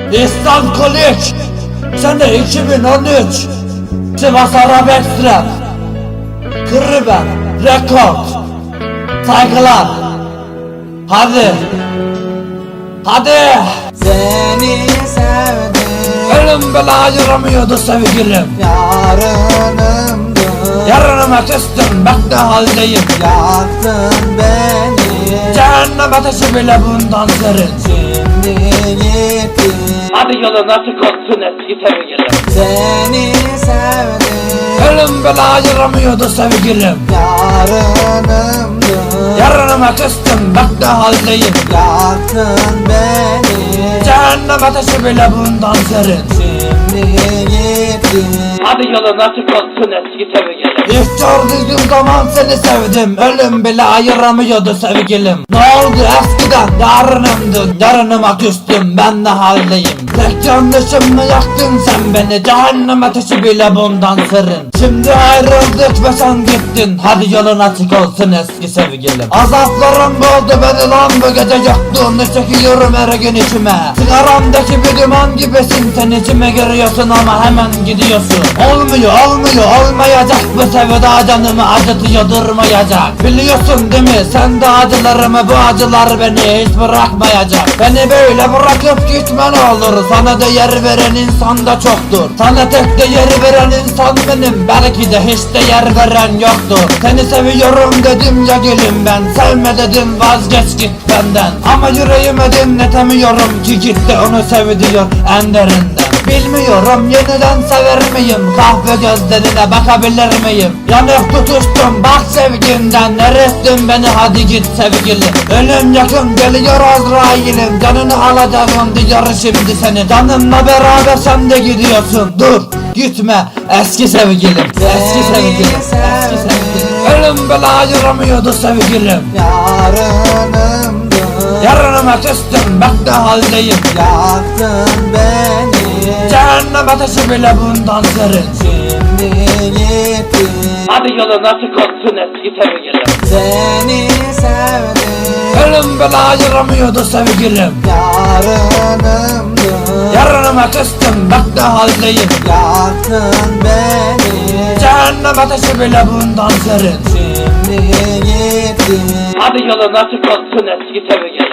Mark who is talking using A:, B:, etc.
A: İslam Kolik, sene 2013, Sivas Arabesk Rap, Kırıben, Rekord, saygılar. Hadi, hadi.
B: Seni sevdim,
A: Ölüm bile ayıramıyordu sevgilim.
B: yarınımdı.
A: Yarınıma küstüm, bak ne haldeyim.
B: Yaktın beni,
A: Cehennem ateşi bile bundan serin.
B: şimdi gittin.
A: Hadi yolun açık olsun eski sevgilim.
B: Seni sevdim,
A: Ölüm bile ayıramıyordu sevgilim.
B: yarınımdı.
A: Yarınıma küstüm, bak ne haldeyim.
B: Yaktın beni,
A: Cehennem ateşi bile bundan serin.
B: şimdi gittin.
A: Hadi yolun açık olsun eski sevgilim. İlk gördüğüm zaman seni sevdim. Ölüm bile ayıramıyordu sevgilim. Ne oldu eskiden yarınımdın. Yarınıma küstüm, ben ne haldeyim. Tek yanlışımla yaktın sen beni. Cehennem ateşi bile bundan serin. Şimdi ayrıldık ve sen gittin. Hadi yolun açık olsun eski sevgilim. Azaplarım boğdu beni lan bu gece, yoktuğunu çekiyorum her gün içime. Sigaramdaki bir duman gibisin, sen içime giriyorsun ama hemen gidiyorsun. Olmuyor, olmayacak bu sevda, canımı acıtıyor durmayacak. Biliyorsun değil mi sen de acılarımı, bu acılar beni hiç bırakmayacak. Beni böyle bırakıp gitme ne olur, sana değer veren insan da çoktur. Sana tek değer veren insan benim, belki de hiç değer veren yoktur. Seni seviyorum dedim ya gülüm ben, sevme dedim vazgeç git benden. Ama yüreğime dinletemiyorum ki gitti onu sev diyor en derinden. Bilmiyorum yeniden sever miyim, kahve gözlerine bakabilir miyim? Yanık tutuştum bak sevginden, erittin beni hadi git sevgilim. Ölüm yakın geliyor Azrail'im, canını alacağım diyor şimdi seni. Canımla beraber sen de gidiyorsun, dur gitme eski sevgilim. Eski sevgilim, eski sevgilim. Ölüm bile ayıramıyordu sevgilim.
B: Yarınımdı,
A: Yarınıma küstüm, bak ne haldeyim.
B: yaktın beni,
A: Cehennem ateşi bile bundan serin.
B: şimdi gittin.
A: Hadi yolun açık olsun eski sevgilim.
B: Seni sevdim,
A: Ölüm bile ayıramıyordu sevgilim.
B: yarınımdı.
A: Yarınıma küstüm, bak ne haldeyim.
B: Yaktın beni,
A: Cehennem ateşi bile bundan serin.
B: şimdi gittin.
A: Hadi yolun açık olsun eski sevgilim.